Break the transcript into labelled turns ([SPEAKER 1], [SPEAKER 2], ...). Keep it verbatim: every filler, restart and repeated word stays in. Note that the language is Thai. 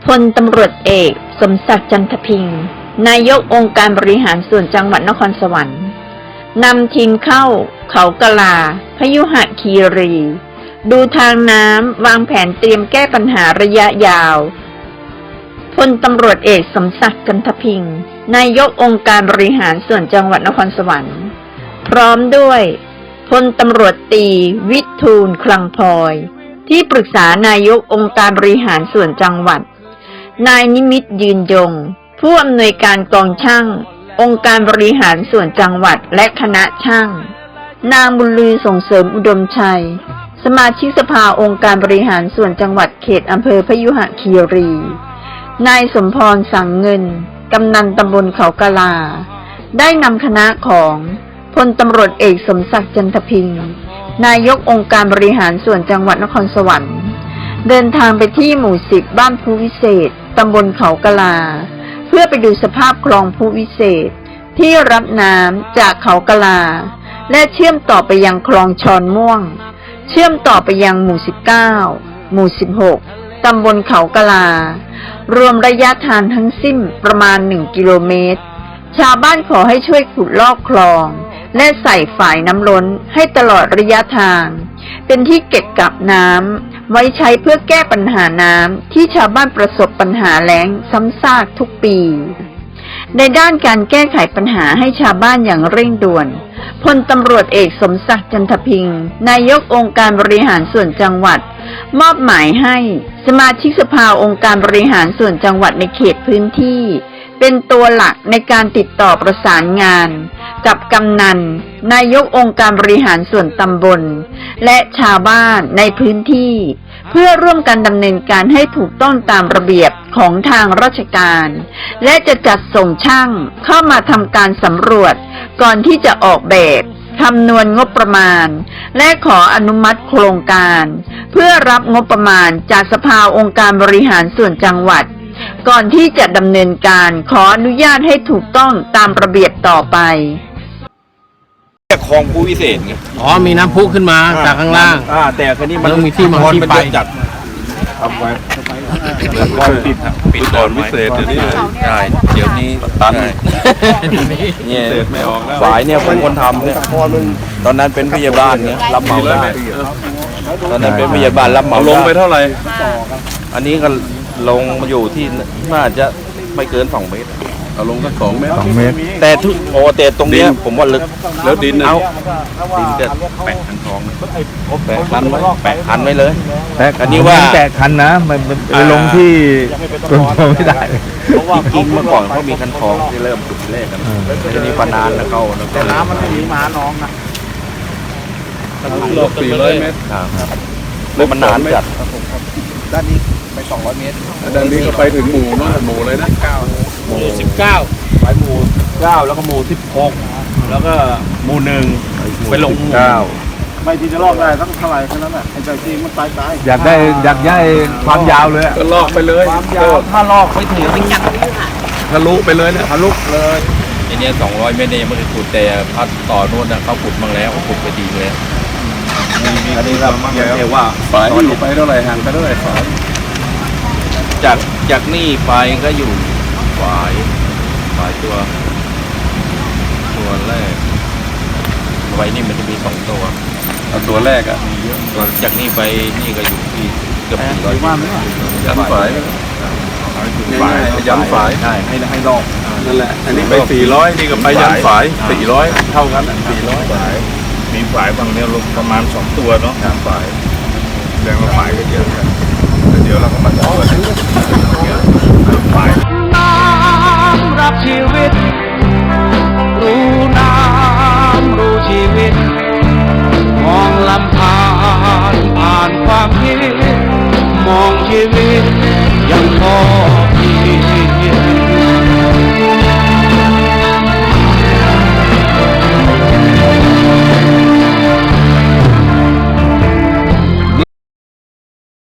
[SPEAKER 1] พลตำรวจเอกสมศักดิ์จันทพิงค์นายกองค์การบริหารส่วนจังหวัดนครสวรรค์นำทีมเข้าเขากะลาพยุหคีรีดูทางน้ำวางแผนเตรียมแก้ปัญหาระยะยาวพลตำรวจเอกสมศักดิ์จันทพิงค์นายกองค์การบริหารส่วนจังหวัดนครสวรรค์พร้อมด้วยพลตำรวจตรีวิทูลคลังพลอยที่ปรึกษานายกองค์การบริหารส่วนจังหวัดนายนิมิตยืนยงผู้อำนวยการกองช่างองค์การบริหารส่วนจังหวัดและคณะช่างนางบุญลือส่งเสริมอุดมชัยสมาชิกสภาองค์การบริหารส่วนจังหวัดเขตอำเภอพยุหคีรีนายสมพรสังเงินกำนันตำบลเขากะลาได้นำคณะของพลตำรวจเอกสมศักดิ์จันทพิงค์นายกองค์การบริหารส่วนจังหวัดนครสวรรค์เดินทางไปที่หมู่สิบบ้านภูวิเศษตำบลเขากะลาเพื่อไปดูสภาพคลองภูวิเศษที่รับน้ำจากเขากะลาและเชื่อมต่อไปยังคลองชอนม่วงเชื่อมต่อไปยังหมู่สิบเก้าหมู่สิบหกตำบลเขากะลารวมระยะทางทั้งสิ้นประมาณหนึ่งกิโลเมตรชาวบ้านขอให้ช่วยขุดลอกคลองและใส่ฝายน้ำล้นให้ตลอดระยะทางเป็นที่เก็บกักน้ำไว้ใช้เพื่อแก้ปัญหาน้ำที่ชาวบ้านประสบปัญหาแล้งซ้ำซากทุกปีในด้านการแก้ไขปัญหาให้ชาวบ้านอย่างเร่งด่วนพลตำรวจเอกสมศักดิ์จันทพิงค์นายกองค์การบริหารส่วนจังหวัดมอบหมายให้สมาชิกสภาองค์การบริหารส่วนจังหวัดในเขตพื้นที่เป็นตัวหลักในการติดต่อประสานงานกับกำนันนายกองค์การบริหารส่วนตำบลและชาวบ้านในพื้นที่เพื่อร่วมกันดำเนินการให้ถูกต้องตามระเบียบของทางราชการและจะจัดส่งช่างเข้ามาทำการสำรวจก่อนที่จะออกแบบคำนวณงบประมาณและขออนุมัติโครงการเพื่อรับงบประมาณจากสภาองค์การบริหารส่วนจังหวัดก่อนที่จะดำเนินการขออนุญาตให้ถูกต้องตามระเบียบต่อไป
[SPEAKER 2] คลองภูวิเศษไง
[SPEAKER 3] อ๋อมีน้ำพุขึ้นมาจากข้างล่าง
[SPEAKER 2] อ่าแต่คันนี้มัน
[SPEAKER 3] ต้องมีที่มาที่ไป
[SPEAKER 2] จัดทำไว้คลองปิดปิดก่อนวิเศษเดี๋ยวนี้ใช่เดี๋ยวนี้ตันเนี่ยฝายเนี่ยเป็นคนทำเนี่ยตอนนั้นเป็นพยาบาลเนี่ยรับเหมาได้ตอนนั้นเป็นพยาบาลรับเหมา
[SPEAKER 4] ลงไปเท่าไหร่
[SPEAKER 2] อันนี้ก็ลงมาอยู่ที่น่าจะไม่เกินสองเมตร
[SPEAKER 4] เอาลงสักสองเมตร
[SPEAKER 3] สองเมตร
[SPEAKER 2] แต่ทุกโอแต่ตรงนี้ผมว่าลึก
[SPEAKER 4] แล้วดิน
[SPEAKER 2] เอาดินจะแปะคันทองแปะคันไว้แปะคันไว้เลย
[SPEAKER 3] แต่อันนี้ว่าแปะคันนะมันไปลงที่ตรงไม่ได้
[SPEAKER 2] เพราะว่าจริงเมื่อก่อนเขามีคันทองที่เริ่มจุดแรกกันทีนี้ปานานแล้วเขา
[SPEAKER 3] แต่น้ำมันไม่มีมาน้องนะ
[SPEAKER 4] โลกสี่ร้อยเมตร
[SPEAKER 2] แล้วมันนานจัด
[SPEAKER 3] ด้านนี้ไปสองร้อยเมตร
[SPEAKER 4] ด้านนี้ก็ไปถึงหมู่นะหมู่เลยนะ
[SPEAKER 3] หมู่สิบเก้า
[SPEAKER 2] ไปหมู่เก้าแล้วก็หมู่สิบหกแล้วก็หมู่หนึ่งไปลง
[SPEAKER 4] เก้า
[SPEAKER 3] ไม่ที่จะลอกได้ต้องเท่าไหร่แค่นั้นแหละไอ้ใจจริงมันตายตายอยากได้อยากได้ความยาวเลย
[SPEAKER 4] ก็ลอกไปเลย
[SPEAKER 3] ความยาวถ้าลอกไปถึงมันยัก
[SPEAKER 4] ทะลุไปเลยเนี่ย
[SPEAKER 3] ทะลุเลย
[SPEAKER 2] ทีนี้สองร้อยเมตรเนี่ยมันขุดแต่พัดต่อโน่นเขาขุดมาแล้วขุดไปดีเลย
[SPEAKER 4] อันนี้เราเรียกว่าฝายอยู่ไปเท่าไหร่ห่างไปเท่าไหร่ฝาย
[SPEAKER 2] จากจากนี่ไปก็อยู่ฝายฝายตัวตัวแรกไว้นี่มันจะมีสองตัว
[SPEAKER 4] ตัวแรกอ่ะมีเยอะ
[SPEAKER 2] ตัวจากนี่ไปนี่ก็อยู่ที่เกือบสี่ร้อยเมตร
[SPEAKER 4] ยันฝายฝายยันฝาย
[SPEAKER 2] ใช่ให้ให้ลอก
[SPEAKER 4] นั่นแหละอันนี้ไปสี่ร้อยนี่ก็ไปยันฝายสี่ร้อยเท่ากันสี่ร้อยฝาย
[SPEAKER 2] มีฝายบางเนี่ยลงประมาณสองตัวเนาะ
[SPEAKER 4] ฝายแรงว่าฝายก็เยอะกันเดี๋ยวเราก็มาต่อกันฝาย
[SPEAKER 5] น้ำรับชีวิตรู้น้ำรู้ชีวิตมองลำธารผ่านความคิด